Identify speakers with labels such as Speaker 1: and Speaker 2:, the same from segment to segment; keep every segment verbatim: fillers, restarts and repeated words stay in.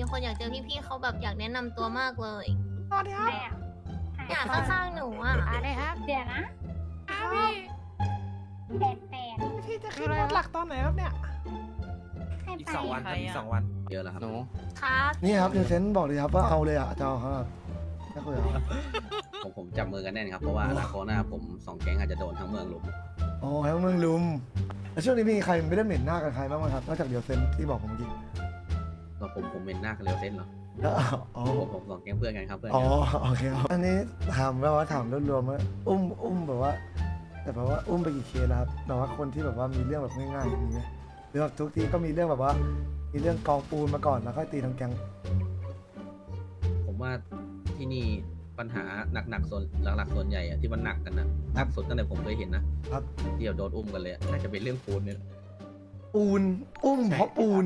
Speaker 1: คนอยากเจอพี่ๆเขาแบบอยากแนะนำตัวมากเลย
Speaker 2: สวัสดีครับ
Speaker 1: อยากข้างๆหนูอ่ะ
Speaker 2: อะไรครับ
Speaker 3: เดี๋ยวนะ
Speaker 2: ครับพี่
Speaker 3: แปดแปด
Speaker 2: พี่จะขึ้นรถหลักตอนไหนครับเนี่ย
Speaker 3: ให้
Speaker 4: อีก
Speaker 3: ไป
Speaker 4: สองวันครับอีกสองวันเยอะแล้วครับ
Speaker 5: หนู
Speaker 1: ครับ
Speaker 6: นี่ครับเดี๋ยวเซนบอกเลยครับว่าเอาเลยอ่ะจะเอาครับจะคุยเอา
Speaker 4: ผมผมจับมือกันแน่นครับเพราะว่าอนาคตหน้าผมสองแก๊งอาจจะโดนทั้งเมืองลุม
Speaker 6: โอ้ยเมืองลุมแล้วช่วงนี้มีใครไม่ได้เหม็นหน้ากันใครบ้างไหมครับนอกจากเดี๋ยวเซนที่บอกผมเมื่อกี้
Speaker 4: แล้วผมผมเป็นหน้ากันเร็วเส้นเหรอ
Speaker 6: แล้วอ๋อ
Speaker 4: ผมผมสองแก๊งเพื่อนกันครับเพื่อน
Speaker 6: อ๋อ
Speaker 4: กัน
Speaker 6: โอเคครับอันนี้ถามแบบว่าถามรวมๆว่าอุ้มอุ้มแบบว่า แต่แบบว่าอุ้มไปกี่เคสแล้วครับแบบว่าคนที่แบบว่ามีเรื่องแบบง่ายๆมีไหมหรือแบบทุกทีก็มีเรื่องแบบว่า มีเรื่องกองปูนมาก่อนแล้วค่อยตีทั้งแก๊ง
Speaker 4: ผมว่าที่นี่ปัญหาหนักๆส่วนหลักๆส่วนใหญ่อะที่มันหนักกันนะหนักสุดตั้งแต่ผมเคยเห็นนะครับ ที่เดี๋ยวโดนอุ้มกันเลยอะน่าจะเป็นเรื่องปูนเนี่ย
Speaker 6: ปูนอุ้มเพราะปูน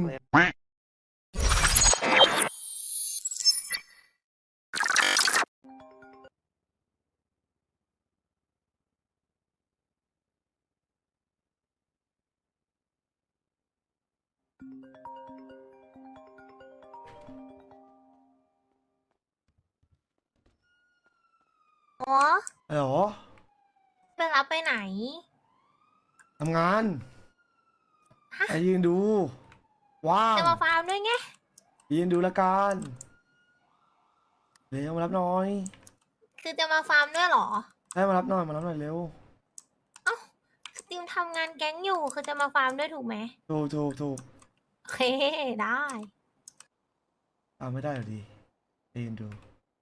Speaker 1: อ๋อ
Speaker 6: เหรอ
Speaker 1: ไปรับไปไหน
Speaker 6: ทำงานไปยืนดูว่าง
Speaker 1: จะมาฟาร์มด้วยไง
Speaker 6: ยืนดูละกันเร็วมารับหน่อย
Speaker 1: คือจะมาฟาร์มด้วยเหรอ
Speaker 6: ให้มารับหน่อยมารับหน่อยเร็ว
Speaker 1: สตรีมทำงานแก๊งอยู่ คือจะมาฟาร์มด้วยถูกไหม
Speaker 6: ถูกถูกถูก
Speaker 1: โอเค ได้
Speaker 6: ตามไม่ได้หรอดีไปยืนดู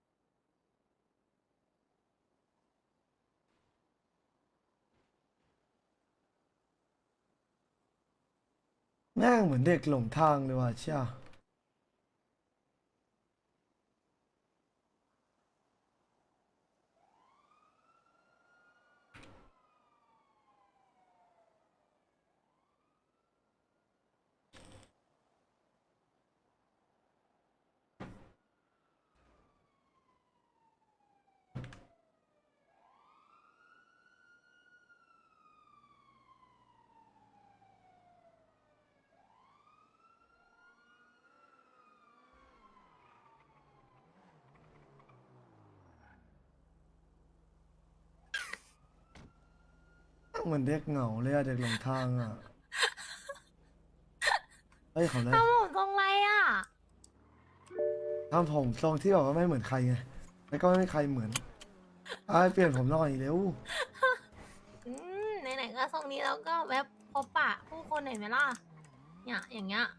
Speaker 6: แม่งเหมือนเด็กหลงทางเลยว่ะเชี่ยเหมือนเด็กเหงาเลยอะเด็กหลงทางอะเฮ้ยเขาเลย
Speaker 1: ทำผมตรงไรอ่ะ
Speaker 6: ทำผมทรงที่แบบว่าไม่เหมือนใครไงแล้วก็ไม่มีใครเหมือนไอ้เปลี่ยนผมหน่อยเร็ว
Speaker 1: อืมไหนๆก็ทรงนี้แล้วก็แวบพบปะผู้คนหน่อยไหมล่ะ เนี่ยอย่างเงี้ย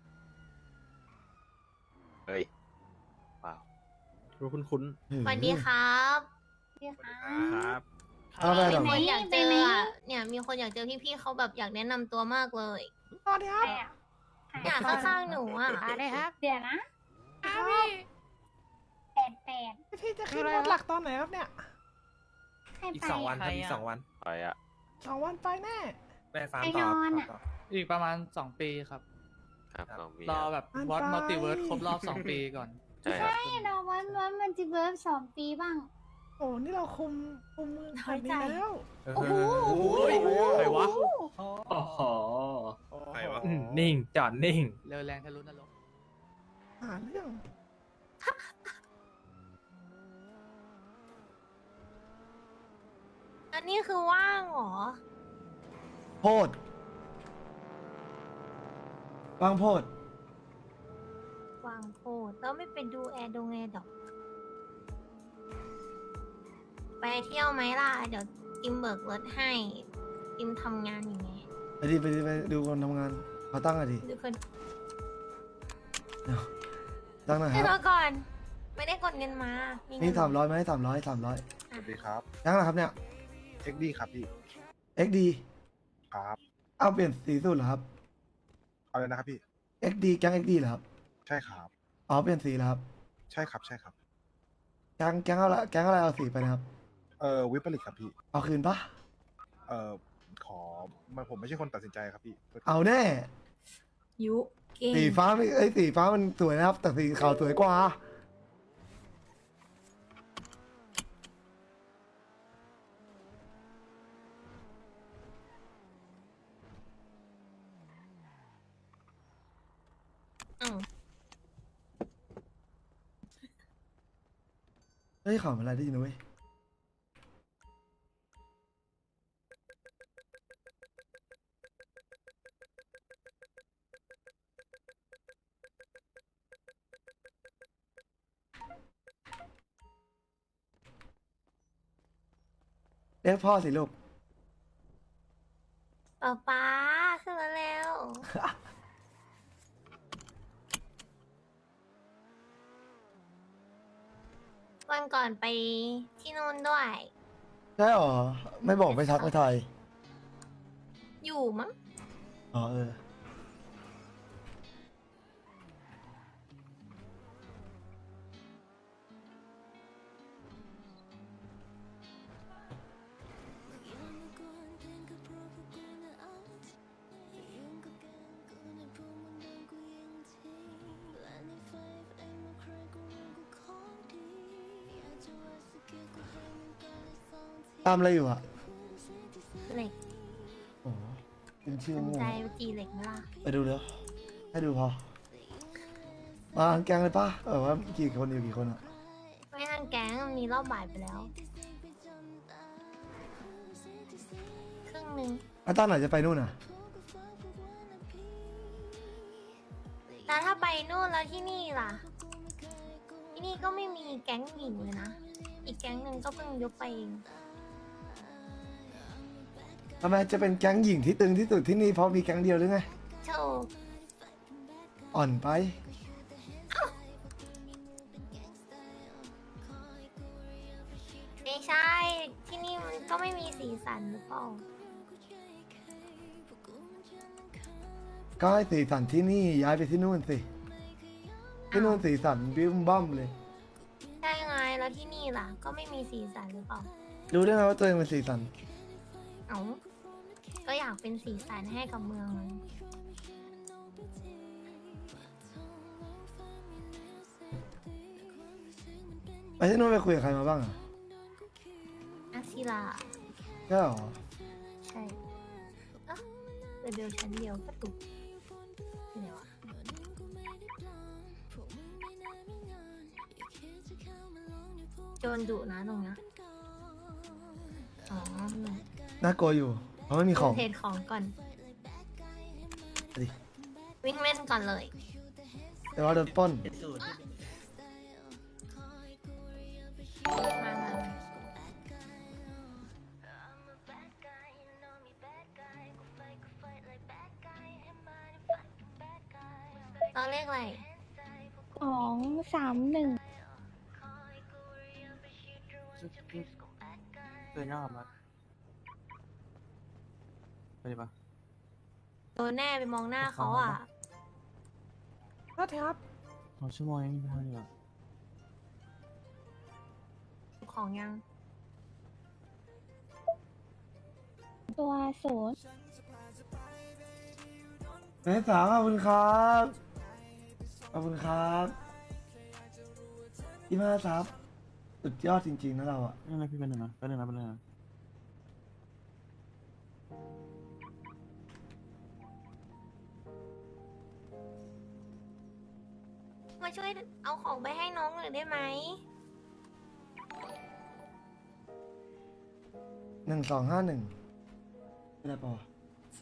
Speaker 5: เฮ้ย
Speaker 4: รู้คุ้น
Speaker 1: สวัสดีครับ
Speaker 3: เดี๋ยวค่ะ
Speaker 4: ครับ
Speaker 6: เอาไป
Speaker 1: มี
Speaker 6: หรอ
Speaker 1: คนอยากเจอ
Speaker 3: ไปไหม
Speaker 1: อะเนี่ยมีคนอยากเจอพี่ๆเขาแบบอยากแนะนำตัวมากเลย
Speaker 2: สวัสดีครับ
Speaker 1: อยากข้างๆหนูอ่ะ
Speaker 2: อะไรครับ
Speaker 3: เดี๋ยวนะ
Speaker 2: ครับพี่
Speaker 3: แปดแปด
Speaker 2: พี่จะขึ้นรถหลักตอนไหนครับเนี่ย
Speaker 3: ให้
Speaker 4: อีก
Speaker 3: ไป
Speaker 4: สองวันครับอีกสองวัน
Speaker 5: ไปอะ
Speaker 2: สองวันไปแน่
Speaker 4: ไปฟาร์ม
Speaker 3: ไป
Speaker 4: ต่อน
Speaker 3: อนอะ
Speaker 4: ต่อ
Speaker 7: อีกประมาณสองปีครับ
Speaker 5: ครับสองปี
Speaker 7: รอแบบ
Speaker 2: อัน
Speaker 7: วอต
Speaker 2: ไป
Speaker 7: มัลติเวิร์สครบรอบสองปีก่อน
Speaker 5: ใช่ครับ
Speaker 3: ให้เราวันวันมันจะเวิร์ฟสองปีบ้าง
Speaker 2: โอ้นี่เราคุมคุมมือแบบนี้แล้ว
Speaker 3: โอ้โห
Speaker 7: ใครวะ
Speaker 8: โอ้โห
Speaker 4: ใครวะ
Speaker 8: อืมนิ่ง จอดนิ่ง
Speaker 7: เร็วแรงทะลุนรก
Speaker 2: หาเรื่อง
Speaker 1: อันนี้คือว่างเหรอ
Speaker 6: โพดบางโพด
Speaker 1: วางโพดแล้วไม่ไปดูแอร์ดงแอร์ดอกไปเที่ยวไหมล่ะ เดี๋ยวติมเบิกรถให้ติมทำงานอย่างไง
Speaker 6: ไปดิไปดิไปดูคนทำงานขอตั้งหน่อยดิ
Speaker 1: ดูคน
Speaker 6: ตั้งหน่อยค
Speaker 1: ให้
Speaker 6: รับ
Speaker 1: ตัวก่อน ไม่ได้กดเงินมามี
Speaker 6: มี
Speaker 1: เงิน
Speaker 6: สามร้อยไหมสามร้อยสามร้อย
Speaker 9: สวัสดีครับ
Speaker 6: ยังนะครับเนี่ย
Speaker 9: เอ็กดีครับพี่
Speaker 6: เอ็กดี
Speaker 9: ครับ
Speaker 6: เอาเปลี่ยนสีสูตรเหรอครับ
Speaker 9: เอาเลยนะครับพี่
Speaker 6: เอ็กดีแก๊งเอ็กดีเหรอครับ
Speaker 9: ใช่ครับ
Speaker 6: อ๋อเปลี่ยนสีแล้วครับ
Speaker 9: ใช่ครับใช่ครับ
Speaker 6: แก๊งแก๊งอะไรแก๊งอะไรเอาสีไปนะครับ
Speaker 9: เออวิปริตครับพี่
Speaker 6: เอาคืนปะ
Speaker 9: เออขอมันผมไม่ใช่คนตัดสินใจครับพี่
Speaker 6: เอาแน่
Speaker 1: ยุเก่ง
Speaker 6: สีฟ้าไม่ไอ้ยสีฟ้ามันสวยนะครับ แต่สีขาวสวยกว่า
Speaker 1: อืม
Speaker 6: ฮ้ยข่าวอะไรได้ยินนะเว้ยเรียกพ่อสิลูก
Speaker 1: ป๊าป๊าขึ้นมาแล้ว วันก่อนไปที่นู่นด้วย
Speaker 6: ใช่หรอ ไม่บอกไม่ทักไม่ทาย
Speaker 1: อยู่มั้ง
Speaker 6: อ๋อเออ ตามอะไรอยู่อ่ะ
Speaker 1: เหล็ก
Speaker 6: โอ้โหเป็นชื่อ
Speaker 1: สน
Speaker 6: งู
Speaker 1: ใจไปตีเหล็กไหมล่ะ
Speaker 6: ไปดูเดี๋ยวให้ดูพอ มาทั้งแกงเลยป่ะเออว่ากี่คนอยู่กี่คนอ่ะ
Speaker 1: ไม่ทันแก๊งมันมีรอบบ่ายไปแล้ว ครึ่งหนึ่ง
Speaker 6: อ่ะตอนไหนจะไปนู่นอ่ะ
Speaker 1: แต่ถ้าไปนู่นแล้วที่นี่ล่ะ ที่นี่ก็ไม่มีแก๊งหญิงเลยนะ อีกแก๊งหนึ่งก็เพิ่งยกไปเอง
Speaker 6: ทำไมจะเป็นแก๊งหญิงที่ตึงที่สุดที่นี่เพราะมีแก๊งเดียวหรือไง
Speaker 1: โชค
Speaker 6: อ่อนไป
Speaker 1: ไม่ใช่ ที่นี่มันก็ไม่มีสีสันหรือเปล่า
Speaker 6: ก็ให้สีสันที่นี่ย้ายไปที่นู่นสิ ที่นู่นสีสันบิ้มบ้อมเลย
Speaker 1: ใช่ไง แล้วที่นี่ล่ะ ก็ไม่มีสีสันหรือเปล่า
Speaker 6: รู้ได้ไงว่าตัวเองเป็นสีสัน
Speaker 1: เอ้า ก็อยากเป็นสีสันให้กับเมืองมัน
Speaker 6: ไปที่นู่นไปคุยกับใครมาบ้างอ่ะ
Speaker 1: อาศิลา
Speaker 6: ใช่หรอ
Speaker 1: ใช่อ่ะเลเวลชั้นเดียวก็ถูกเดี๋ยวอะโจนดุนะตรงเนี้ยอ๋อ
Speaker 6: น่ากลัวอยู่ เพราะไม่มีของ
Speaker 1: เทรดของก่อน
Speaker 6: ดิ
Speaker 1: วิ่งเล่นก่อนเลย
Speaker 6: แต่ว่าโดนปล้น
Speaker 1: มามาตอนเลขอะไร
Speaker 3: สองสามหนึ่ง
Speaker 7: เกินยอดมาไปดิปะ
Speaker 1: โดนแน่ไปมองหน้าเขาอ่ะ
Speaker 2: ก็ครับ
Speaker 7: สองชั่วโมงยังไม่พอดีอ่ะ
Speaker 1: ของยัง
Speaker 3: ตัวศูนย์
Speaker 6: เฮ้ยสาวขอบคุณครับ ขอบคุณครับยี่ห้าซับสุดยอดจริง ๆ นะเราอ่ะ
Speaker 7: นี่อะไรพี่เป็นหนึ่งนะเป็นหนึ่งนะเป็นหนึ่งนะ
Speaker 1: มาช่วยเอาของไปให้น้องหน่อยได้ไหม
Speaker 6: หนึ่งสองห้าหนึ่งอะไรปะวะ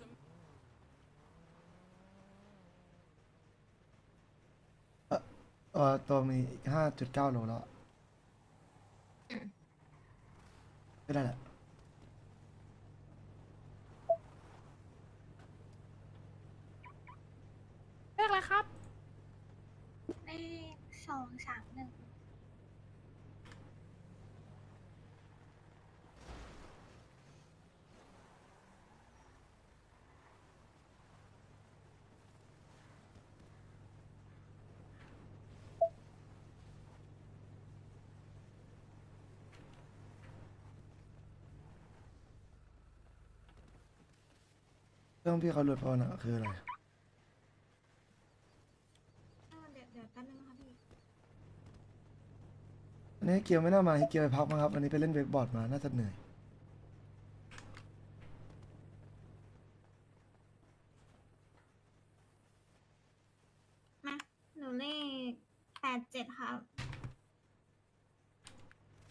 Speaker 6: เออเออตัวมีห้าจุดเก้าโลแล้วอะไม่ได้แหละ
Speaker 2: เรียกอะไรครับ
Speaker 3: เลขสองสามหนึ่ง
Speaker 6: เรื่องพี่เขาหลุดพอนะคืออะไร
Speaker 3: เดี๋ยวเดี๋ยวแป๊บนึงนะคะพี่
Speaker 6: อันนี้เกียวไม่น่ามาให้เกียวไปพักมั้งครับ อันนี้ไปเล่นเวกบอร์ดมา น่าจะเหนื่อย
Speaker 3: มาหนูเลขแปดเจ็ดครับ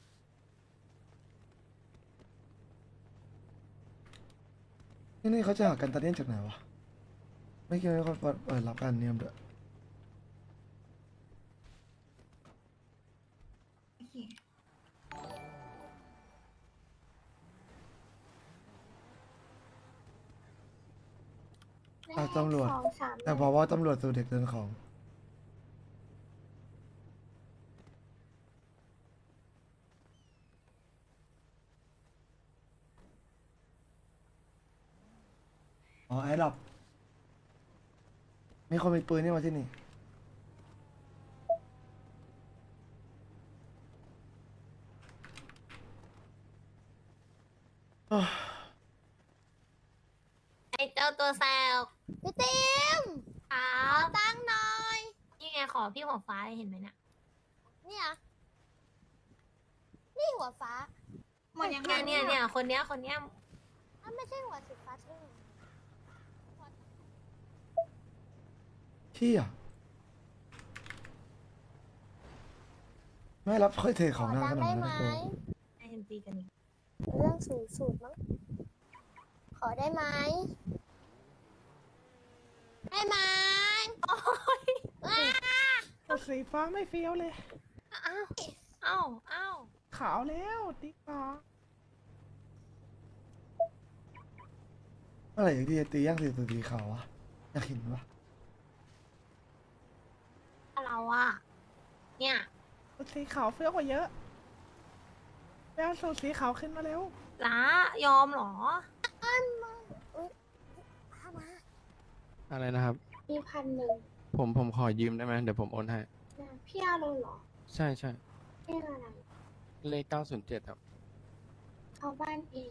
Speaker 6: นี่นี่เขาจะหากันตาเนียนจากไหนวะไม่คิดว่าเขาเปิดรับการเนียมด้วย
Speaker 3: โอเค
Speaker 6: อ่ะตำรวจ
Speaker 3: สองสาม
Speaker 6: แต่บอกว่าตำรวจสู่เด็กเดินของอ๋อไอ้ดับมีคนมีปืนนี่มาที่นี่โอ้ย
Speaker 1: ไอเจ้าตัวแซว
Speaker 5: พี่ติม
Speaker 1: ครับ
Speaker 5: ตั้งหน่อย
Speaker 1: นี่ไงขอพี่หัวฟ้าเห็นไหมเนี่ย
Speaker 5: เนี่ย นี่หัวฟ้า
Speaker 3: หมดยังไง
Speaker 1: เนี่ยเนี่ยเนี่ยคนเนี้ยคนเนี้ย
Speaker 5: อ้าวไม่ใช่หัวสีฟ้าใช่ไหม
Speaker 6: เชี่ยไม่รับค่อยเท
Speaker 5: ข
Speaker 6: ข
Speaker 5: อ
Speaker 6: องหน้า
Speaker 5: ดั
Speaker 6: ข
Speaker 5: ง
Speaker 6: นาด
Speaker 5: ได้
Speaker 6: นั้น
Speaker 5: ไหม
Speaker 6: นะโอ้
Speaker 1: ไอเห็นตีกันอีก
Speaker 5: เรื่องสูงสุดมั้ง ขอได้ไหมได้ไหม
Speaker 1: โอ้ย
Speaker 2: แต่สีฟ้าไม่เฟี้ยวเลย
Speaker 1: อ้าวอ้าวอ้าว
Speaker 2: ขาวแล้วติ๊กฟ้า
Speaker 6: เมื่อไหร่ที่จะตีย่างสีสีขาววะอยากเห็นวะ
Speaker 1: เราอะเนี่ย
Speaker 2: สีขาวเฟี้ยวกว่าเยอะไปเอาสูตรสีขาวขึ้นมาเร็ว
Speaker 1: ล้ายอมเหรอ
Speaker 5: พามา
Speaker 7: อะไรนะครับ
Speaker 3: มีพันหนึ่ง
Speaker 7: ผมผมขอยืมได้ไหมเดี๋ยวผมโอนให้
Speaker 3: นะพี่เอาเลยเหรอ
Speaker 7: ใช่ใช่
Speaker 3: เรียกอะไร
Speaker 7: เลขเก้าศูนย์เจ็ดครับ
Speaker 3: เอาบ้านเอง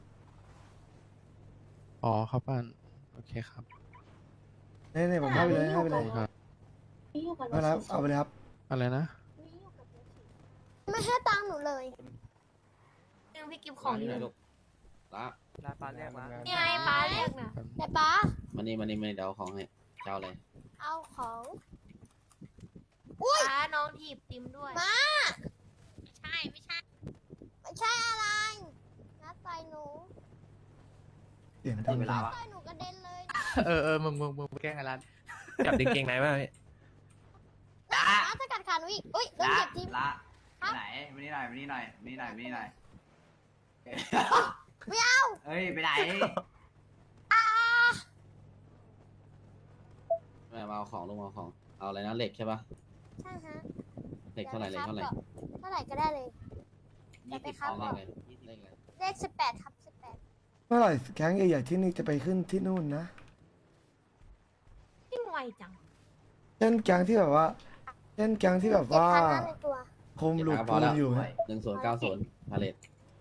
Speaker 7: อ๋อเข้าบ้าน โอเคครับ
Speaker 6: เนี่ยเนี่ยผมให้ไปเลยให้ไปเลย
Speaker 7: ครับ
Speaker 3: นี่อยู่กับร
Speaker 6: ไม่
Speaker 3: ถ
Speaker 6: รับ
Speaker 3: สี
Speaker 6: เอาไปเลยครับ
Speaker 7: อะไรนะ
Speaker 3: นี่อยู่กับรถสี
Speaker 5: ไม่ให้ตังค์หนูเลย
Speaker 1: นึงพี่กิฟของอยู่
Speaker 4: ไหนลูกละ
Speaker 8: ลาปาเรียกมา
Speaker 1: นี่ไงป้าเรียกนะ
Speaker 5: แต่ป้า
Speaker 4: มานี่มานี่มานี่เดี๋ยวเอาของให้เจ้าอะไร
Speaker 5: เอาของ
Speaker 1: ป้าน้องถีบติมด้วย
Speaker 5: มา
Speaker 1: ใช่ไม่ใช่
Speaker 5: ไม่ใช่อะไรนัดต่อยหนู
Speaker 6: เสียงดังจัง
Speaker 5: ต่อยหนูกระเด็นเลย
Speaker 8: เออเออมึงมึงมึงไปแกล้งไอ้รันจับดึงเกงไหนมาพี่
Speaker 5: ป้าจะกัดขาหนูอีกอุ้ยโดนเหยียบทิ่ม
Speaker 10: ละ
Speaker 5: ครับ
Speaker 10: ไปไหนมานี่หน่อยมานี่หน่อยมานี่หน่อยมานี่หน่อย
Speaker 5: ไม่เอา
Speaker 10: เอ้ยไปไหน
Speaker 4: แม่มาเอาของลูกมาเอาของเอาอะไรนะเหล็กใช่ปะ
Speaker 5: ใช่ฮะ
Speaker 4: เหล็กเท่าไหร่เหล็กเท่าไหร่
Speaker 5: เท่าไหร่ก็ได้เลย
Speaker 10: ยี่สิบ
Speaker 5: ครับ
Speaker 4: เอาเลขอะไรเลขอะไร
Speaker 5: เลขสิบแปดครับสิบแปด
Speaker 6: เมื่อไหร่แก๊งใหญ่ๆที่นี่จะไปขึ้นที่นู่นนะ
Speaker 1: ยิ่งไวจัง
Speaker 6: เช่นแก๊งที่แบบว่าเช่นแก๊งที่แบบว่า
Speaker 5: เจ็ดพันห้ในตัว
Speaker 6: คุมหลุดปูนอยู่ฮะ
Speaker 4: หนึ่งศูนย์เก้าศูนย์พาเลต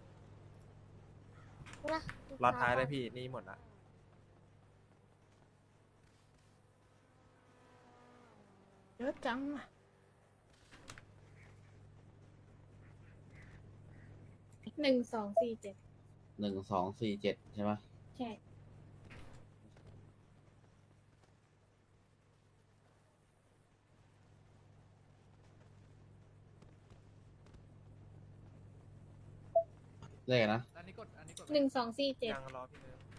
Speaker 5: นะ
Speaker 8: รอดท้ายเลยพี่ นี่หมดละ
Speaker 2: เยอะจังอะ
Speaker 3: หนึ่งสองสี่เจ็ด
Speaker 4: หนึ่งสองสี่เจ็ดใช่ปะ
Speaker 3: ใช่
Speaker 4: เลขอะไรนะ
Speaker 8: อันนี้กด อันนี้กด
Speaker 3: หนึ่งสองสี่เจ็ด
Speaker 8: ยังรอพี่เนิร์ฟ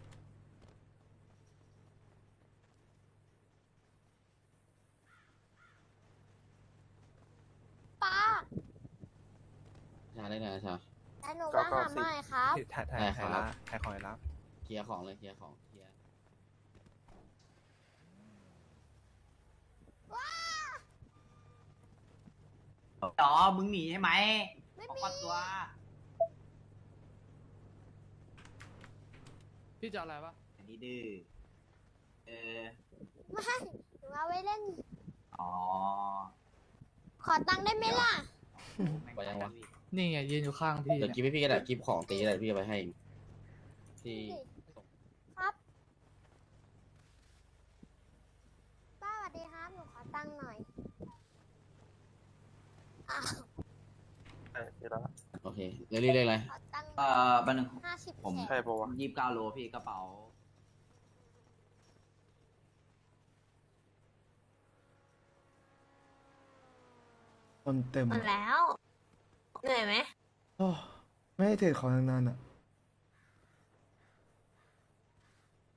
Speaker 5: ป้า
Speaker 4: ชาเลขอะไรนะชา
Speaker 5: แต่หนูมาหาใหม่ครับ
Speaker 8: ถ่ายถ่าย
Speaker 4: ได้
Speaker 8: ถ่าย
Speaker 4: ครั
Speaker 8: ละ
Speaker 4: บ
Speaker 8: ถ่ายของไอ้รับ
Speaker 4: เคลียร์ของเลยเคลียร์ของเคลียร์
Speaker 10: ต่อมึงหนีใช่ไหม
Speaker 5: ไม่
Speaker 10: ขอ
Speaker 5: มี
Speaker 10: ปัดตัว
Speaker 7: พี่จะอะไรปะ
Speaker 10: อันนี้ดื้อ เออ
Speaker 5: ไม่หนูเอาไว้เล่น
Speaker 10: อ๋อ
Speaker 5: ขอตังค์ได้ไหมล่ะ
Speaker 4: ไปยังวะ
Speaker 7: นี่ไงยืนอยู่ข้างพี่
Speaker 4: เดี๋ยวกิฟให้พี่ก็ได้กิฟของตีก็ได้พี่จะไปให้ที่ส่ง
Speaker 5: ครับ ป้าสวัสดีครับ หนูขอตังค์หน่อยอ้าว
Speaker 4: โอเคเรลี่เลขอะไร
Speaker 5: ขอตังค์
Speaker 10: เอ่อบันหนึ่ง
Speaker 5: ห้าสิบ
Speaker 10: ผม
Speaker 5: เศษ
Speaker 10: ยี่สิบเก้าโลพี่กระเป๋า
Speaker 6: คนเต็ม
Speaker 1: หมดแล้ว เหนื่อยไหม
Speaker 6: โอ้ไม่ให้เทของนานๆอ่ะ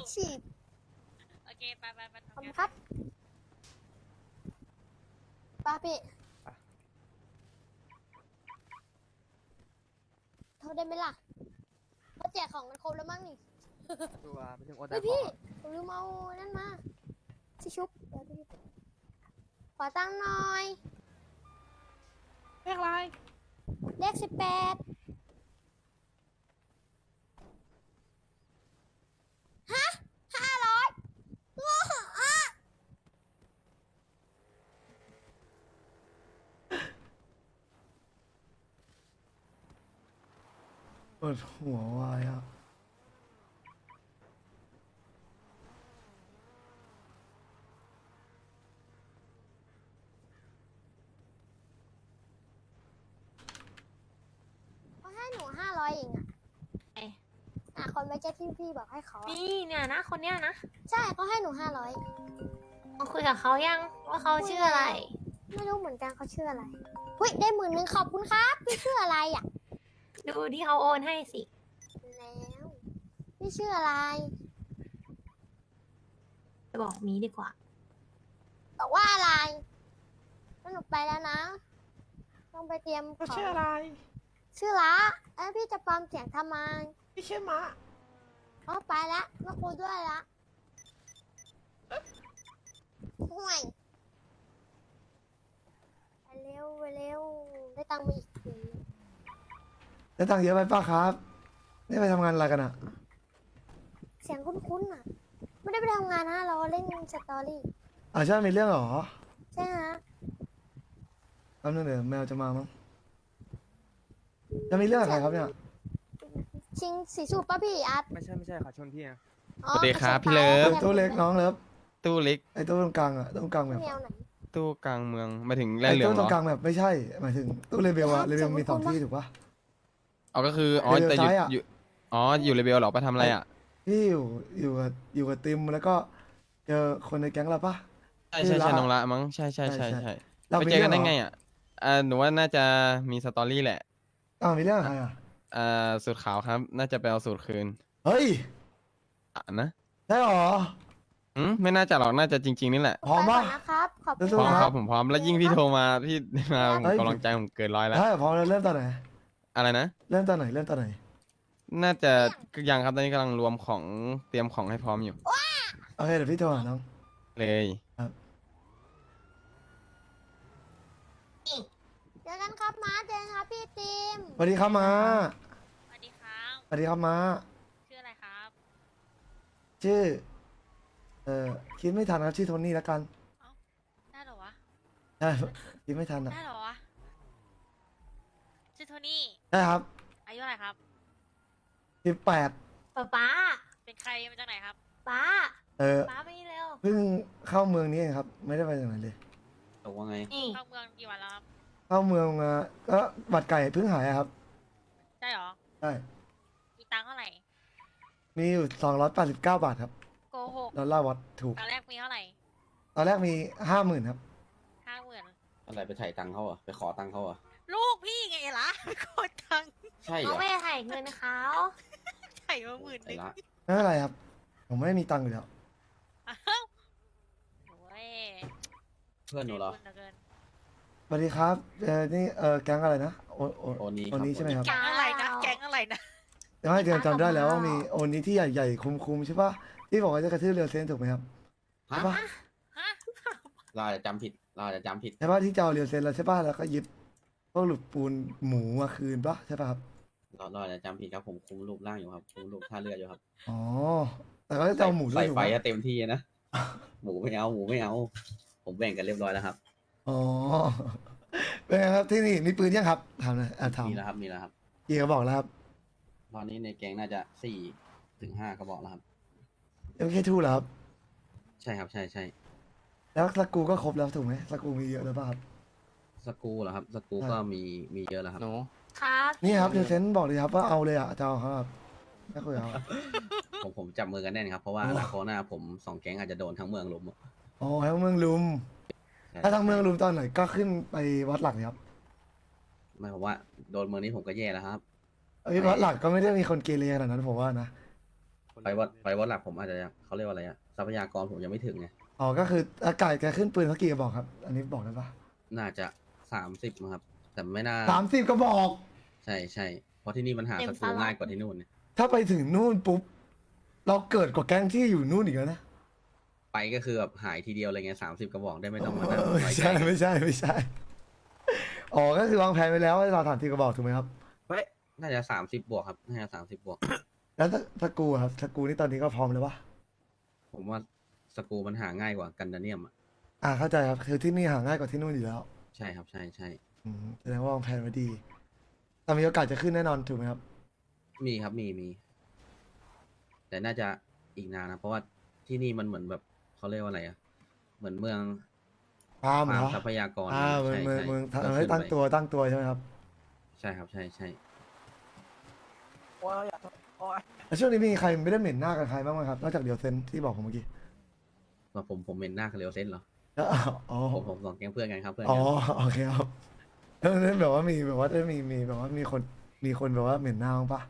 Speaker 5: ฉีด
Speaker 3: โอเค ไปไปไป
Speaker 5: ขอบคุณครับป้าพี่โทษได้ไหมล่ะเขาแจกของกันครบแล้วมั้งนี่
Speaker 7: ตัวไปถึงโอ
Speaker 5: เฮ้ยพี่ผมลืมเอานั่นมาชิชุบเดี๋ยวพี่ขอตังค์หน่อย
Speaker 2: เรียกอะไร
Speaker 5: เลขสิบแปดฮะห้าร้อยโง่อ่ะ
Speaker 6: ปวดหัววายอ่ะ
Speaker 5: เขาให้หนูห้าร้อยเองอะ
Speaker 1: เอ๊ะ
Speaker 5: อ่ะคนเมื่อกี้ที่พี่บอกให้เขาอะ
Speaker 1: นี่เนี่ยนะคนเนี้ยนะ
Speaker 5: ใช่เขาให้หนูห้าร้อย
Speaker 1: มาคุยกับเขายังว่าเขาชื่ออะไร
Speaker 5: ไม่รู้เหมือนกันเขาชื่ออะไรเฮ้ยได้หมื่นหนึ่งขอบคุณครับพี่ชื่ออะไรอ่ะ
Speaker 1: ดูที่เขาโอนให้สิ
Speaker 5: แล้วพี่ชื่ออะไร
Speaker 1: จะบอกมีดีกว่า
Speaker 5: บอกว่าอะไรแล้วหนูไปแล้วนะ ต้องไปเตรียมข
Speaker 2: เขา
Speaker 5: อง
Speaker 2: ชื่ออะไร
Speaker 5: ชื่อละเอ้ยพี่จะปลอมเสียงทำไม
Speaker 2: พี่ชื่อมะ
Speaker 5: อ๋อไปละมาคุยด้วยละห่วยไปเร็วไปเร็วได้ตังค์มาอีกที
Speaker 6: ได้ตังค์เยอะไปป้าครับนี่ไปทำงานอะไรกันอ่ะ
Speaker 5: เสียงคุ้นๆอ่ะ ไม่ได้ไปทำงานนะเราเล่นสตอรี่
Speaker 6: อ่าใช่มีเรื่องเหรอ
Speaker 5: ใช่ฮะ
Speaker 6: แป๊บนึงเดี๋ยวแมวจะมามั้งจะมีเรื่องอะไรครับเนี่ย
Speaker 5: ชิงสีสูบป่ะพี่อาร์ต
Speaker 7: ไม่ใช่ไม่ใช่ขอชนพี่นะ
Speaker 5: อ๋อ
Speaker 7: สวัสดีครับ
Speaker 5: กะ
Speaker 7: พี่เลิฟ
Speaker 6: ตู้เล็กน้องเลิฟ
Speaker 7: ตู้เล็ก
Speaker 6: ไอ้ตู้ตรงกลางอ่ะตู้ตรงกลางแบบ
Speaker 5: แนวไหน
Speaker 7: ตู้กลางเมืองมาถึงแร่
Speaker 6: ไอ้
Speaker 7: เหลือง
Speaker 6: ตู้
Speaker 7: เห
Speaker 6: ต
Speaker 7: ร
Speaker 6: ร
Speaker 7: อง
Speaker 6: กลางแบบไม่ใช่หมายถึงตู้เลเบลอะเลเบลมีสองที่ถูกปะ
Speaker 7: อ๋อก็คืออ๋อ
Speaker 6: เดี๋ยว
Speaker 7: แต่อยู่
Speaker 6: ซ้ายอะ
Speaker 7: อยู่อ๋ออยู่เลเบลเหรอไปทำอะไรอ่ะ
Speaker 6: พี่อยู่อยู่กับอยู่กับติมแล้วก็เจอคนในแก๊งเราปะ
Speaker 7: ใช่ใช่
Speaker 6: ชื่อ
Speaker 7: ใช่
Speaker 6: ละ
Speaker 7: น้องละมั้งใช่ใช่ใช่
Speaker 6: ใช่
Speaker 7: ใช่
Speaker 6: เรา
Speaker 7: ไป
Speaker 6: มี
Speaker 7: เจอกันได้
Speaker 6: เรื่องเหรอ
Speaker 7: ไงอ่ะอ่าหนูว่าน่าจะมีสตอรี่แหละ
Speaker 6: อ้าวมีเรื่องอะไรอ่ะ
Speaker 7: อ่าสูตรขาวครับ น่าจะไปเอาสูตรคืน
Speaker 6: เฮ้ย
Speaker 7: อ่ะนะ
Speaker 6: ได้หรอ
Speaker 7: อืมไม่น่าจะหรอกน่าจะจริง ๆนี่แหละ
Speaker 6: พร้อม
Speaker 5: ไปก่
Speaker 6: ปะ
Speaker 5: นนะครับ ขอบคุณ
Speaker 6: สู้
Speaker 7: พร้อม
Speaker 6: ๆ
Speaker 7: ค
Speaker 6: ครั
Speaker 7: รับ บผมพร้อมแล้วยิ่งพี่โทรมาพี่มาผม
Speaker 6: เฮ้ย
Speaker 7: กำลังใจผมเกินร้อยแล้ว
Speaker 6: ได้พร้อมแล้วเริ่มตอนไหน
Speaker 7: อะไรนะ
Speaker 6: เริ่มตอนไหนเริ่มตอนไหน
Speaker 7: น่าจะยังครับตอนนี้กำลังรวมของเตรียมของให้พร้อมอยู่
Speaker 6: โอเคเดี๋ยวพี่โทรหาน้อง
Speaker 7: เลย
Speaker 5: เจอกันครับมาเจอกันครับพี่ติม
Speaker 6: สวัสดีครับมา
Speaker 3: สวัสดีครับ
Speaker 6: สวัสดีครับมา
Speaker 3: ชื่ออะไรครับ
Speaker 6: ชื่อเอ่อคิดไม่ทันครับชื่อโทนี่แล้วกัน
Speaker 3: ได้เหรอวะ
Speaker 6: ใช่คิดไม่ทันอ่ะ
Speaker 3: ได้เหรอวะ ชื่อโทนี่
Speaker 6: ได้ครับ
Speaker 3: อายุเท่าไหร่ครับ
Speaker 6: สิบแปด
Speaker 1: ป๊าป๊า
Speaker 3: เป็นใครมาจากไหนครับ
Speaker 1: ป๊า
Speaker 6: เออ
Speaker 1: ป๊าไปนี่เร็ว
Speaker 6: เพิ่งเข้าเมืองนี้เองครับ ไม่ได้ไปจากไหนเลย
Speaker 4: ตกว่าไง
Speaker 1: นี่
Speaker 3: เข้าเมืองกี่วันแล้วครับ
Speaker 6: เข้าเมืองมาก็บัตรไก่เพิ่งหายอะครับ
Speaker 3: ได้เหรอ
Speaker 6: ใช่
Speaker 3: มีตังค์เท่าไหร่
Speaker 6: มีอยู่สองร้อยแปดสิบเก้าบาทครับ
Speaker 3: โกหก
Speaker 6: ดอลลาร์วัดถูก
Speaker 3: ตอนแรกมีเท่าไหร่
Speaker 6: ตอนแรกมีห้าหมื่นครับ
Speaker 3: ห้าหมื่น
Speaker 4: อะไรไปถ่ายตังค์เขาเหรอ่ะไปขอตังค์เขาเหรอ่ะ
Speaker 3: ลูกพี่ไงล่ะ โคตรตังค์
Speaker 4: ใช่เหร
Speaker 1: เขา
Speaker 4: อ
Speaker 1: ไม่ได้ถ่ายเงินเขา
Speaker 3: ไถ่มาหมื่นห
Speaker 4: ไอ้
Speaker 3: นึ่ง
Speaker 4: ละ
Speaker 6: ไม่เป็นไรครับ ผมไม่ได้มีตังค์อยู่แล้ว
Speaker 3: อ้าวโอ้ย
Speaker 4: เพื่อนหนูเหรอ
Speaker 3: ใจบุญเกิน
Speaker 6: สวัสดีครับ เออนี่เออแก๊งอะไรนะ โอโอ
Speaker 4: โอนี้
Speaker 6: โอนี้
Speaker 4: ครับ
Speaker 6: ใช่ไหมครับ
Speaker 3: แก๊งอะไรนะ แก๊งอะไรนะ
Speaker 6: ไม่เดือนจำได้แล้วว่ามีโอนี้ที่ใหญ่ๆคุ้มๆใช่ปะที่บอกว่าจะกระทืบเรือเซนถูกไหมครับ
Speaker 4: ฮะ
Speaker 6: ใช่ปะ
Speaker 3: ฮะ
Speaker 4: เราอาจจะจำผิด เราอาจจะจำผิด
Speaker 6: ใช่ปะที่จะเอาเรือเซนแล้วใช่ปะแล้วก็ยึดพวกหลุดปูนหมูมาคืนปะใช่ปะครับ
Speaker 4: เราเราอาจจะจำผิดครับผมคุมรูปร่างอยู่ครับคุมรูปท่าเรืออยู่ครับ
Speaker 6: อ๋อ แต่ก็จะเอาหมูด้วย
Speaker 4: ใส่
Speaker 6: ถูก
Speaker 4: ไฟ
Speaker 6: ไหม
Speaker 4: อะเต็มที่นะ หมูไม่เอา หมูไม่เอา ผมแบ่งกันเรียบร้อยแล้วครับ
Speaker 6: อ๋อ เป็นไงครับที่นี่มีปืนยังครับถามหน่อยอ่ะถาม
Speaker 4: มีแล้วครับ มีแล้วครับ
Speaker 6: กี่กระบอกแล้วครับ
Speaker 4: ตอนนี้ในแก๊งน่าจะสี่ถึงห้ากระบอกแล้วครับ
Speaker 6: เอ็มเคทูเหรอครับ
Speaker 4: ใช่ครับ ใช่ใช่
Speaker 6: แล้วสกรูก็ครบแล้วถูกไหมสกรูมีเยอะแล้วป่ะครับ
Speaker 4: สกรูเหรอครับ สกรู
Speaker 6: ใช่
Speaker 4: ก็มีมีเยอะแล้วครับ
Speaker 7: หนู
Speaker 1: ครับ
Speaker 6: นี่ครับเดยวเซนบอกเลยครับว่าเอาเลยอ่ะจะเอาครับไม่คุยเอา
Speaker 4: ผมผมจับมือกันแน่นครับ เพราะว่า
Speaker 6: โอ้
Speaker 4: อนาคตหน้าผมสองแก๊งอาจจะโดนทั้งเมืองลุมอะ
Speaker 6: อ๋อให้เมืองลุม
Speaker 4: ใช่
Speaker 6: ถ้าทางเมืองลุมตอนไหนก็ขึ้นไปวัดหลักเนี่ยครับ
Speaker 4: ไม่ผมว่าโดนเมืองนี้ผมก็แย่แล้วครับ
Speaker 6: เอ้ยวัดหลักก็ไม่ได้มีคนเกเรขนาดนั้นผมว่านะ
Speaker 4: ไฟวัดไฟวัดหลักผมอาจจะเขาเรียกว่าอะไรอะทรัพยากรผมยังไม่ถึงไง
Speaker 6: อ๋อก็คืออากาศแกขึ้นปืนเขากี่กระบอกครับ อันนี้บอกได้ปะ
Speaker 4: น่าจะสามสิบครับ แต่ไม่น่า
Speaker 6: สามสิบกระบอก
Speaker 4: ใช่ใช่เพราะที่นี่มันหาศัตรูง่ายกว่าที่นู่นเนี่ย
Speaker 6: ถ้าไปถึงนู่นปุ๊บเราเกิดกว่าแก๊งที่อยู่นู่นอีกแล้วนะ
Speaker 4: ไปก็คือแบบหายทีเดียวอะไรเงี้ยสามสิบกระบอกได้ไม่ต้องมานั่ง
Speaker 6: เออ
Speaker 4: ไว้
Speaker 6: ไม่
Speaker 4: ใจ
Speaker 6: ใช่ไม่ใช่ไม่ใช่อ๋อก็คือวางแผนไว้แล้วว่าเราถามทีกระบอกถูกไหมครับ
Speaker 4: เฮ้ยน่าจะสามสิบบวกครับน่าจะสามสิบบวก
Speaker 6: แล้วถ้าถ้ากูอะครับถ้ากูนี่ตอนนี้ก็พร้อมแล้วปะ
Speaker 4: ผมว่าสกรูมันหาง่ายกว่ากันดาเนียมอ่ะ
Speaker 6: อ่าเข้าใจครับคือที่นี่หาง่ายกว่าที่นู่นอยู่แล้ว
Speaker 4: ใช่ครับใช่ใช่
Speaker 6: อืมแสดงว่าวางแผนไว้ดีแต่มีโอกาสจะขึ้นแน่นอนถูกไหมครับ
Speaker 4: มีครับมีมี แต่น่าจะอีกนานนะเพราะว่าที่นี่มันเหมือนแบบเขาเรียกว่าอะไรอ่ะเหมือนเมือง
Speaker 6: ตามเหร
Speaker 4: ฟาร์ม
Speaker 6: อ
Speaker 4: ทรัพยากร
Speaker 6: อ่าเมือง
Speaker 4: ใช่
Speaker 6: เมือง
Speaker 4: ใช่
Speaker 6: เมือง
Speaker 4: ก็
Speaker 6: ทำให้
Speaker 4: ขึ้น
Speaker 6: ตั้ง
Speaker 4: ไป
Speaker 6: ตัวตั้งตัวใช่ไหมครับ
Speaker 4: ใช่ครับใช่ใช่
Speaker 6: แล้วช่วงนี้มีใครไม่ได้เหม็นหน้ากับใครบ้างไหมครับนอกจากเดียวเซนที่บอกผมเมื่อกี้
Speaker 4: ว่าผมผมเป็นหน้าคาเรลเซนเหรอ
Speaker 6: แล้วอ๋อ
Speaker 4: ผมผมสองแก๊งเพื่อนกันครับเพื่อน
Speaker 6: อ๋อ
Speaker 4: กัน
Speaker 6: โอเคครับแล้วนั้นแบบว่ามีแบบว่าได้มีมีแบบว่ามีคนมีคนแบบว่าเหม็นหน้าบ้างปะ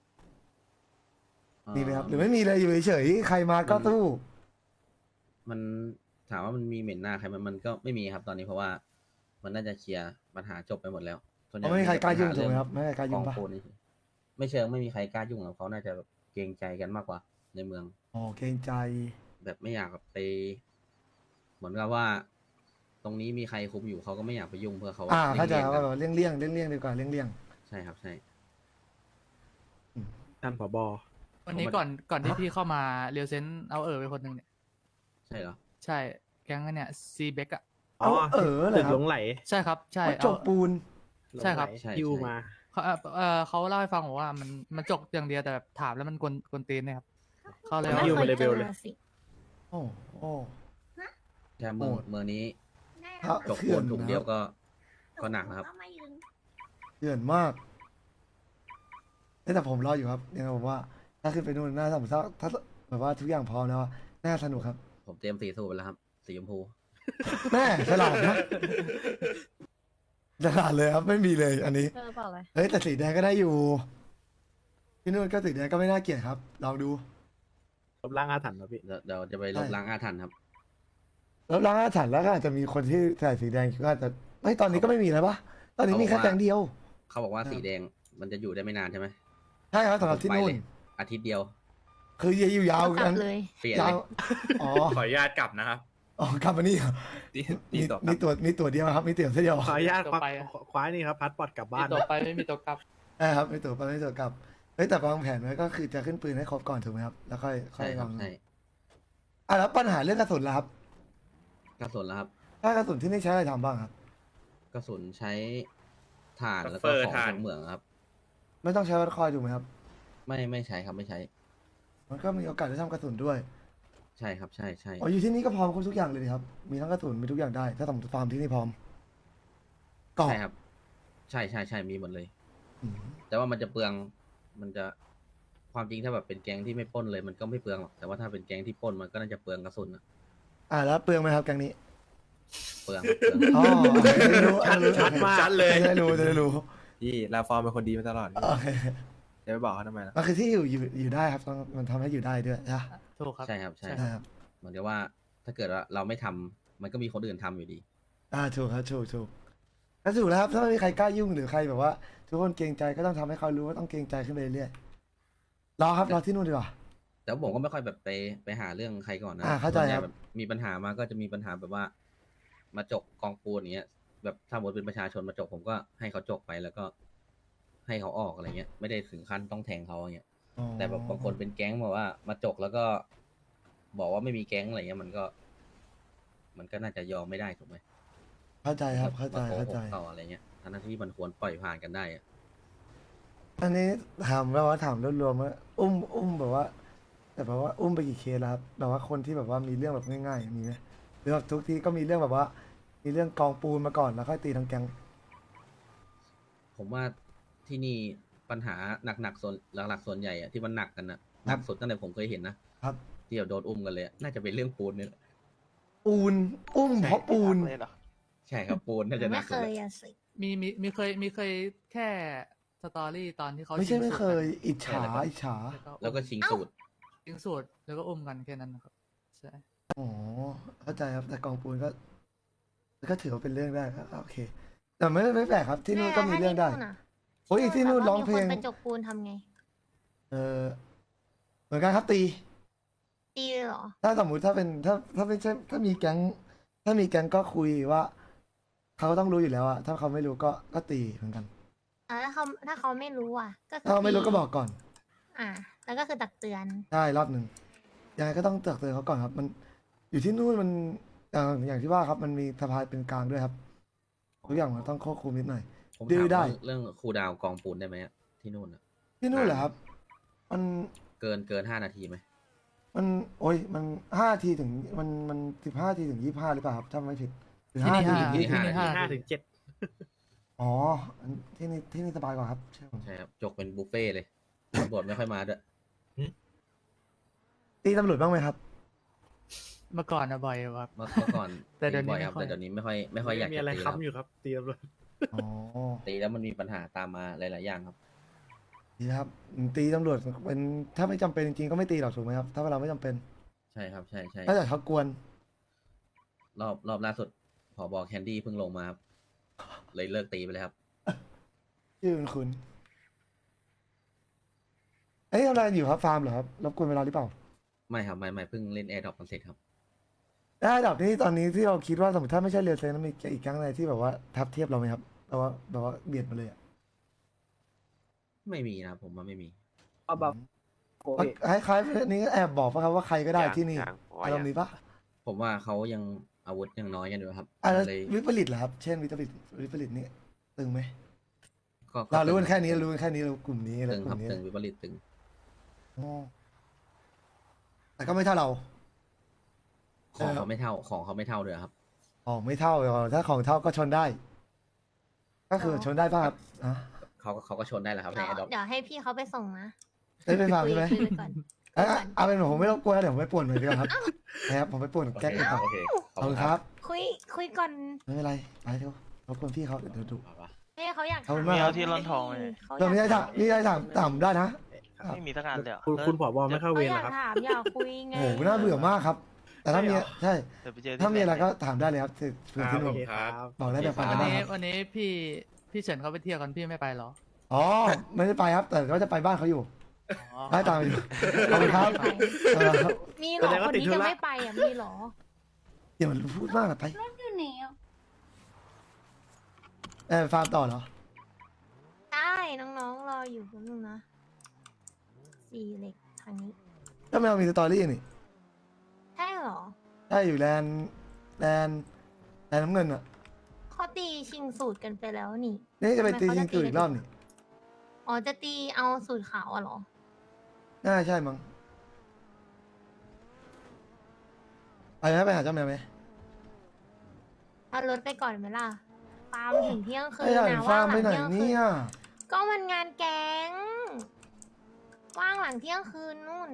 Speaker 6: มีไหมครับหรือไม่มีเลยอยู่เฉยๆใครมาก็สู้
Speaker 4: มันถามว่ามันมีเหม็นหน้าใครมันมันก็ไม่มีครับตอนนี้เพราะว่า มันน่าจะเคลียร์ปัญหาจบไปหมดแล้วส่วนใหญ่
Speaker 6: เพราะไม่มีใครกล้ายุ่งถูกไหม
Speaker 4: ปัญ
Speaker 6: ครับไม่มีใครกล้า
Speaker 4: เรื่
Speaker 6: ยุ่
Speaker 4: อง ง
Speaker 6: ปะ
Speaker 4: กองปูนนี่ไม่เชิงไม่มีใครกล้ายุ่งหรอกเขาน่าจะแบบเกรงใจกันมากกว่า ในเมือง
Speaker 6: อ๋อเกรงใจ
Speaker 4: แบบไม่อยากแบบไป เหมือนกับว่า ตรงนี้มีใครคุมอยู่เขาก็ไม่อยากไปยุ่งเพื่อเขา
Speaker 6: อ่าเข้าใจ
Speaker 4: ลี่ยงๆ
Speaker 6: ว่า
Speaker 4: กัน
Speaker 6: แบบเลี่ยงเลี่ยงเลี่ยงเลี่ยงดีกว่าเลี่ยงเลี่ยง
Speaker 4: ใช่ครับใช่
Speaker 8: ท่านผบ
Speaker 11: วันนี้ก่อนก่อนที่พี่เข้ามาเรียวเซนเอาเออไปคนหนึ่งเนี่ย
Speaker 4: ใช่เหรอ
Speaker 11: ใช่แก๊งเนี่ยซีเบกอะ
Speaker 6: เอาเออเหร
Speaker 8: ตึ
Speaker 6: อก ครับ
Speaker 8: หลงไหล
Speaker 11: ใช่ครับใช่
Speaker 6: ว่าจกปูน
Speaker 11: ใช่ครับ
Speaker 4: ใช่
Speaker 8: ฮิว
Speaker 4: ใช่
Speaker 8: มา
Speaker 11: เขาเอ่อเอ่อเขาเล่าให้ฟังบอกว่ามันมันจกอย่างเดียวแต่แบบถามแล้วมันกวนกวนตีนเนี่ยครับเขาเลย
Speaker 1: ไม่
Speaker 11: ว่า
Speaker 8: ฮิว
Speaker 1: เค
Speaker 8: มาย เล
Speaker 1: เจ
Speaker 8: เวล
Speaker 1: อ
Speaker 8: เลย
Speaker 1: สิ
Speaker 6: โอ้โอ้
Speaker 4: ใช่เมือง
Speaker 6: โอ้
Speaker 4: เมืองนี้
Speaker 3: ได้
Speaker 6: ครั
Speaker 3: แล้ว
Speaker 6: บ
Speaker 4: จกปูนถุงเดียวก็ก็หนักนะครับ
Speaker 3: ก็มายืน
Speaker 6: เดือนมากเอ้ยแต่ผมรออยู่ครับยังไงผมว่า ถ้าขึ้นไปนู่นน่าสนุกถ้าถ้าแบบว่าทุกอย่างพร้อมแล้วอะน่าสนุกครับ
Speaker 4: ผมเตรียมสีสูตรไปแล้วครับ สีชมพู
Speaker 6: แม่ฉลาดนะฉลาดเลยครับไม่มีเลยอันนี้
Speaker 1: เจอเปล่าเลย
Speaker 6: เฮ้ยแต่สีแดงก็ได้อยู่ที่นู่นก็สีแดงก็ไม่น่าเกลียดครับลองดู
Speaker 8: ลบล้างอาถรรพ์นะพี่
Speaker 4: เดี๋ยวเดี๋ยวจะไปลบ
Speaker 6: ใช่
Speaker 4: ล้างอาถรรพ์ครับ
Speaker 6: แล้วร้านอาถรรพ์แล้วก็อาจจะมีคนที่ใส่สีแดงก็อาจจะไม่ตอนนี้ก็ไม่มีแล้วปะตอนนี้มีแค่
Speaker 4: เขาบอกว่า
Speaker 6: แดงเดียว
Speaker 4: เขาบอกว่า
Speaker 6: ครับ
Speaker 4: สีแดงมันจะอยู่ได้ไม่นานใช่ไหม
Speaker 6: ใช่ครับสำหรับที่นู่น
Speaker 4: ไปเลยอาทิตย์เดียว
Speaker 6: คือจะอยู่ยาว
Speaker 1: กลั
Speaker 6: กับ น
Speaker 1: เลย
Speaker 4: เปลี่ยน
Speaker 6: ยา
Speaker 4: เล
Speaker 6: วย อ๋อ
Speaker 8: ขออนุญาตกลับนะครับ
Speaker 6: อ๋อกลับมานี่เหรอ
Speaker 8: ตี
Speaker 6: มี
Speaker 8: ตีต่อ
Speaker 6: มีตัวมีตัวเดียวครับมีตัวเดียว
Speaker 8: ขออนุญาต
Speaker 11: ต่
Speaker 8: คว้า
Speaker 11: อไปอะ
Speaker 8: คว้านี่ครับพัดปอดกลับบ้า
Speaker 11: มี
Speaker 8: น
Speaker 11: ตัวไปไม่มีตัวกลับ
Speaker 6: ใช่ครับมีตัวไปไม่ตัวกลับเฮ้ยแต่วางแผนไว้ก็คือจะขึ้นปืนให้ครบก่อนถูกไหมครับแล้วค่อยค่อ
Speaker 4: ใช่
Speaker 6: ย
Speaker 4: ครั
Speaker 6: วา
Speaker 4: บ
Speaker 6: ง
Speaker 4: ใช่
Speaker 6: อ่ะแล้วปัญหาเรื่องกระสุนล่ะครับ
Speaker 4: กระสุนแล้วครับ
Speaker 6: ถ้ากระสุนที่นี่ใช้อะไรทำบ้างครับ
Speaker 4: กระสุนใช้ถ่านแล้วก็
Speaker 8: เฟอร์
Speaker 4: ของ
Speaker 8: ถ่าน
Speaker 4: จากเหมืองครับ
Speaker 6: ไม่ต้องใช้วัดคอยถูกไหมครับ
Speaker 4: ไม่ไม่ใช้ครับไม่ใช้
Speaker 6: มันก็มีโอกาสได้ทำกระสุนด้วย
Speaker 4: ใช่ครับใช่ใช่
Speaker 6: อ๋ออยู่ที่นี่ก็พร้อมครบทุกอย่างเลยดิครับมีทั้งกระสุนมีทุกอย่างได้ ถ้าสมมติฟาร์มที่นี่พร้อมกรอบ
Speaker 4: ใช่ครับ ใช่ใช่ใช่มีหมดเลย
Speaker 6: อืม
Speaker 4: แต่ว่ามันจะเปลือง มันจะความจริงถ้าแบบเป็นแก๊งที่ไม่ปล้นเลยมันก็ไม่เปลืองหรอกแต่ว่าถ้าเป็นแก๊งที่ปล้นมันก็น่าจะเปลืองกระสุนอะ
Speaker 6: อ่าแล้วเปลืองไหมครับแกงนี้
Speaker 4: เปลืองเปลือง
Speaker 6: อ๋อจะได้รู้
Speaker 8: ชัด
Speaker 6: จะได้รู้
Speaker 8: ชัดมาก
Speaker 6: จะได้รู้จะได้รู้
Speaker 8: พี่ลาฟอร์มเป็นคนดีมาตลอด
Speaker 6: โอเค
Speaker 8: จะไปบอกเขาทำไมล่ะ
Speaker 6: มันคือที่อยู่อยู่อยู่ได้ครับต้องมันทำให้อยู่ได้ด้วยนะ
Speaker 11: ถูกครับ
Speaker 4: ใช่ครับใช่
Speaker 6: ใช่ครับ
Speaker 4: เหมือนกับว่าถ้าเกิดว่าเราไม่ทำมันก็มีคนอื่นทำอยู่ดี
Speaker 6: อ่าถูกครับถูกถูกก็ถูกแล้วครับถ้าไม่มีใครกล้ายุ่งหรือใครแบบว่า ทุกคนเกรงใจก็ต้องทำให้เขารู้ว่าต้องเกรงใจขึ้นไปเรื่อยๆรอครับรอที่นู่นดีกว่า
Speaker 4: แต่ผมก็ไม่ค่อยแบบไปไปหาเรื่องใครก่อนนะ
Speaker 6: อ่าเข้าใจ
Speaker 4: ส่วนใหญ่
Speaker 6: ครับ
Speaker 4: แบบมีปัญหามาก็จะมีปัญหาแบบว่า มาจกกองปูนอย่างเงี้ย แบบถ้าหมดเป็นประชาชนมาจกผมก็ให้เขาจกไปแล้วก็ ให้เขาออกอะไรเงี้ย ไม่ได้ถึงขั้นต้องแทงเขาอย่างเงี้ย
Speaker 6: อ๋อ
Speaker 4: แต่แบบบางคนเป็นแก๊งบอกว่ามาจกแล้วก็ บอกว่าไม่มีแก๊งอะไรเงี้ยมันก็ มันก็น่าจะยอมไม่ได้ถูกไหม
Speaker 6: เข้าใจครับเข้าใจ
Speaker 4: มโกห
Speaker 6: เข้าก ใจ
Speaker 4: ต่ออะไรเงี้ยทั้งที่มันควรปล่อยผ่านกันได้อะ
Speaker 6: อันนี้ถามแบบว่าถามรวมๆว่าอุ้มอุ้มแบบว่า แต่แบบว่าอุ้มไปกี่เคสแล้วครับแบบว่าคนที่แบบว่ามีเรื่องแบบง่ายๆมีไหมหรือแบบทุกทีก็มีเรื่องแบบว่า มีเรื่องกองปูนมาก่อนแล้วค่อยตีทั้งแก๊ง
Speaker 4: ผมว่าที่นี่ปัญหาหนักๆส่วนหลักๆส่วนใหญ่อะที่มันหนักกันนะหนักสุดตั้งแต่ผมเคยเห็นนะครับ ที่แบบโดนอุ้มกันเลยอะน่าจะเป็นเรื่องปูนเนี่ยแหละ
Speaker 6: ปูนอุ้มเพราะปูน
Speaker 4: ใช่ครับปูนน่าจะหนั
Speaker 1: ไม่
Speaker 4: ก
Speaker 1: เค
Speaker 4: สุด
Speaker 1: ย
Speaker 4: เลย
Speaker 1: อะสิ
Speaker 11: มีมีมีเคยมีเคยแค่สตอรี่ตอนที่เขา
Speaker 6: ไม่ใช่
Speaker 11: ชิง
Speaker 6: ไม่
Speaker 11: สูตร
Speaker 6: เคย
Speaker 11: กัน
Speaker 6: อิจฉาอิจฉา
Speaker 11: แล้วก็
Speaker 4: แล้วก็ชิงสูตร
Speaker 11: ยิงสูตรแล้วก็อุ้มกันแค่นั้นนะครับใช่
Speaker 6: อ๋อเข้าใจครับแต่กองปูนก็ก็ถือว่าเป็นเรื่องได้ครับโอเค แต่ไม่ไม่แปลกครับที่นู่นก็มีเรื่องได้
Speaker 1: แล้วถ้าที่นู่นอะ
Speaker 6: โอ้ยที่นู่นร้องเพลง
Speaker 1: มีคนไปจกปูนทำไง
Speaker 6: เออเหมือนกันครับตี
Speaker 1: ตีเลยเหรอ
Speaker 6: ถ้าสมมุติถ้าเป็นถ้าถ้าไม่ใช่ถ้ามีแก๊ง ถ้ามีแก๊งก็คุยว่าเขาต้องรู้อยู่แล้วอะถ้าเขาไม่รู้ก็ก็ตีเหมือนกัน
Speaker 1: อ่าถ้าเขาถ้าเขาไม่รู้อ่ะ ก็คื
Speaker 6: ถ้าเขาไม่รู้ก็
Speaker 1: ตี
Speaker 6: บอกก่อน
Speaker 1: อ่า แล้วก็คือตักเตือน
Speaker 6: ใช่รอบหนึ่งยังไงก็ต้องเตือนเขาก่อนครับ มันอยู่ที่นู่นมันอย่างอย่างที่ว่าครับ มันมีสภาเป็นกลางด้วยครับทุกอย่างมันต้องควบคุมนิดหน่อย
Speaker 4: ผม
Speaker 6: ดื้
Speaker 4: ถาม
Speaker 6: อได้
Speaker 4: เรื่องเรื่องครูดาวกองปูนได้ไหมอะที่นู่นอะ
Speaker 6: ที่นู่นเหรอครับ มัน
Speaker 4: เกินเกินห้านาทีไหม
Speaker 6: มันโอ้ยมันห้าทีถึงมันมันสิบห้าทีถึงยี่ห้าหรือเปล่าครับถ้าไม่ผิดหรือ
Speaker 11: ที่
Speaker 6: ห้า
Speaker 11: นี่
Speaker 6: ที
Speaker 11: ห้า
Speaker 6: ถึง
Speaker 11: ที่
Speaker 6: ยี่สิบ
Speaker 11: นี่ห้า
Speaker 8: ห้าถึงเจ็ด
Speaker 6: อ๋ออันที่นี่ที่นี่สบายกว่าครับใช่ผม
Speaker 4: ใช่ครับจกเป็นบุฟเฟ่ต์เลยตำรวจไม่ค่อยมาด้วย
Speaker 6: ตีตำรวจบ้างไหมครับ
Speaker 11: เมื่อก่อนอะบ่อยอยู่ครับ
Speaker 4: เมื่อเมื่อก่อน
Speaker 11: แต่เดี๋ยวนี้
Speaker 4: บ่อยครับ
Speaker 11: ไม่ค่อย
Speaker 4: แต่เดี๋ยวนี้ไม่ค่อยไม่ค่อยอยาก
Speaker 8: มี
Speaker 4: จะ
Speaker 8: อะไร
Speaker 4: ตีแล้ว
Speaker 8: ค้ำอยู่ครับเตรียมเลย
Speaker 6: อ๋อ
Speaker 4: ตีแล้วมันมีปัญหาตามมาหลาย ๆ อย่างครับ
Speaker 6: ดีครับตีตำรวจเป็นถ้าไม่จำเป็นจริงๆก็ไม่ตีหรอกถูกไหมครับถ้าเราไม่จำเป็น
Speaker 4: ใช่ครับใช่ใช่
Speaker 6: ถ้าแต่เขากวน
Speaker 4: รอบรอบล่าสุดผอบอแคนดี้เพิ่งลงมาครับเลยเลิกตีไปเลยครับ
Speaker 6: ชื่อคุณคุณเอ้ยทำอะไรอยู่ครับฟาร์มเหรอครับรบกวนเวลาหรือเปล่า
Speaker 4: ไม่ครับไม่ไม่เพิ่งเล่นแอร์ดรอปกันเสร็จครับ
Speaker 6: ได้ดับนี้ตอนนี้ที่เราคิดว่าสมมติถ้าไม่ใช่เรียลเซนต์มีอีกครั้งอะไรที่แบบว่าทับเทียบเราไหมครับแบบว่าแบบว่าเบียดมาเลยอะ
Speaker 4: ไม่มีนะครับผมว่าไม่มี
Speaker 10: เอาแบบ
Speaker 6: คล้ายๆนี้แอบบอกป่ะครับว่าใครก็ได้ที่นี่อารมณ์นี้ปะ
Speaker 4: ผมว่าเขายังอาวุธยังน้อยกันอยู่ครับ
Speaker 6: อ่ะแล้ว
Speaker 4: เลย
Speaker 6: วิปริตเหรอครับเช่นวิปริตวิปริตนี่ตึงไหม
Speaker 4: ก็
Speaker 6: เรารู้กัน
Speaker 4: ตึง
Speaker 6: แค่นี้รู้กันแค่นี้เรากลุ่มนี้อะไร
Speaker 4: ตึง
Speaker 6: ก
Speaker 4: ครั
Speaker 6: ลุ่
Speaker 4: บ
Speaker 6: มนี้
Speaker 4: ตึงวิปริตตึง
Speaker 6: อ๋อแต่ก็ไม่เท่าเรา
Speaker 4: ของ
Speaker 6: เออ
Speaker 4: เขาไม่เท่าของเขาไม่เท่าเลยครับ
Speaker 6: ของไม่เท่าหรอกถ้าของเท่าก็ชนได้ ก็คือ
Speaker 1: อ๋อ
Speaker 6: ชนได้ป่ะครับอ่ะ
Speaker 4: เขาเขาก็ชนได้แหละครับใน
Speaker 1: เดี๋ยว
Speaker 4: แอร์ดรอป
Speaker 1: เดี๋ยวให้พี่เขาไปส่งนะ
Speaker 6: ได้ไปฟัง
Speaker 1: คุย
Speaker 6: ใช่ไหม
Speaker 1: คุยไปก่อน
Speaker 6: เอ้ยเอาเป็นผมไม่รบกวนแล้วเดี๋ยวผมไปป่วนหน่อยดีกว่าครับนะครับผมไปป่วนแก๊งอีกครับ
Speaker 4: โอเคข
Speaker 6: ข
Speaker 4: อ
Speaker 6: อ
Speaker 4: บบ คุ
Speaker 6: คุณ ณ
Speaker 4: ค
Speaker 6: ค
Speaker 4: รั
Speaker 6: รั
Speaker 4: บบ
Speaker 1: คุยคุยก่อน
Speaker 6: ไม่เป็นไรไปเถอะรบกวนพี่เขาเดี๋ยวเดี๋ยวดู
Speaker 4: เอาปะ
Speaker 1: ให้เขาอยาก
Speaker 6: ขอบคุณ
Speaker 1: ถ
Speaker 6: มากครับ
Speaker 1: เเขา
Speaker 6: เดี๋ยวมีอะไร
Speaker 1: อยาก
Speaker 6: ถามมีอะไรถามถามได้นะ
Speaker 7: ไม่มีสักอันเลยอะ
Speaker 8: คุณคุณผอบอไม่เข้าเว
Speaker 1: เขา
Speaker 8: ร
Speaker 1: อยา
Speaker 8: นะ
Speaker 1: ก
Speaker 8: ครับ
Speaker 1: ถามอยากคุยไง
Speaker 6: โอ้โหน่าเบื่อมากครับ แต่ถ้ามีใช่
Speaker 7: เดี๋ยวไปเจอที่
Speaker 6: ถ้ามีอะไร
Speaker 7: แฟน
Speaker 6: ก็ถามได้เลยครับที่พื้นที่นู่น
Speaker 8: โอเคครับ
Speaker 6: บอกได้แบบปั
Speaker 11: วัน
Speaker 6: น
Speaker 11: นี้
Speaker 6: นะครับ
Speaker 11: วันนี้พี่พี่เฉินเขาไปเที่ยวกันพี่ไม่ไปเหรอ
Speaker 6: อ๋อไม่ได้ไปครับ แต่ก็จะไปบ้านเขาอยู่
Speaker 11: อ๋อ
Speaker 6: ได้ตามไปอยู่ขอบคุณครับเออ
Speaker 1: มีเหร
Speaker 8: แส
Speaker 1: อ
Speaker 8: ดง
Speaker 1: ค
Speaker 8: ว่าน ติด
Speaker 1: นี้
Speaker 8: ธุ
Speaker 1: จะ
Speaker 8: ระ
Speaker 1: ไม่ไปอ่ะมีเหรอ
Speaker 6: อย่ามันพูดมากอะไป
Speaker 3: รถอยู่ไหนอ่ะ
Speaker 6: เออฟาร์มต่อเหรอ
Speaker 1: ได้น้องๆรออยู่แป๊บนึงนะสี่เหล็กทางนี้
Speaker 6: ก็ไม่เอามีสตอรี่นี่
Speaker 1: ใช่เหรอ
Speaker 6: ใช่อยู่แลนด์แลนด์แลนด์น้ำเงินอ่ะ
Speaker 1: เขาตีชิงสูตรกันไปแล้วนี่
Speaker 6: นี่จะไปตี
Speaker 1: ทำไม
Speaker 6: ยิ
Speaker 1: เขา
Speaker 6: ง
Speaker 1: จะ
Speaker 6: ตื่น
Speaker 1: ตี
Speaker 6: อีกรอบนี่
Speaker 1: อ๋อจะตีเอาสูตรขาวอะเหรอ
Speaker 6: น่าใช่มั้งไปไหมไปหาเจ้าแมวไหม
Speaker 1: เอารถไปก่อนไหมล่ะฟาร์มถึงเที่ยงคื
Speaker 6: ไอ้
Speaker 1: น
Speaker 6: ใหญ่
Speaker 1: นะ
Speaker 6: ฟาร์ม
Speaker 1: ว่างห
Speaker 6: ไป
Speaker 1: ลัง
Speaker 6: ไหน
Speaker 1: เที่ยงคื
Speaker 6: เนี่
Speaker 1: น
Speaker 6: ย
Speaker 1: ก็มันงานแก๊งว่างหลังเที่ยงคืนนู่น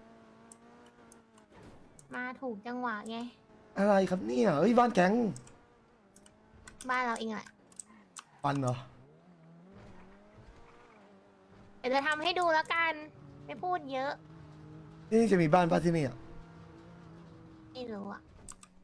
Speaker 1: มาถูกจังหวะไง
Speaker 6: อะไรครับเนี่ยเอ้ยบ้านแก๊ง
Speaker 1: บ้านเราเองแหละ
Speaker 6: ปันเหรอ
Speaker 1: เดี๋ยวจะทำให้ดูแล้วกัน ไม่พูดเยอะ
Speaker 6: ที่นี่จะมีบ้านป้าที่นี่อ่ะ
Speaker 1: ไม่รู้อะ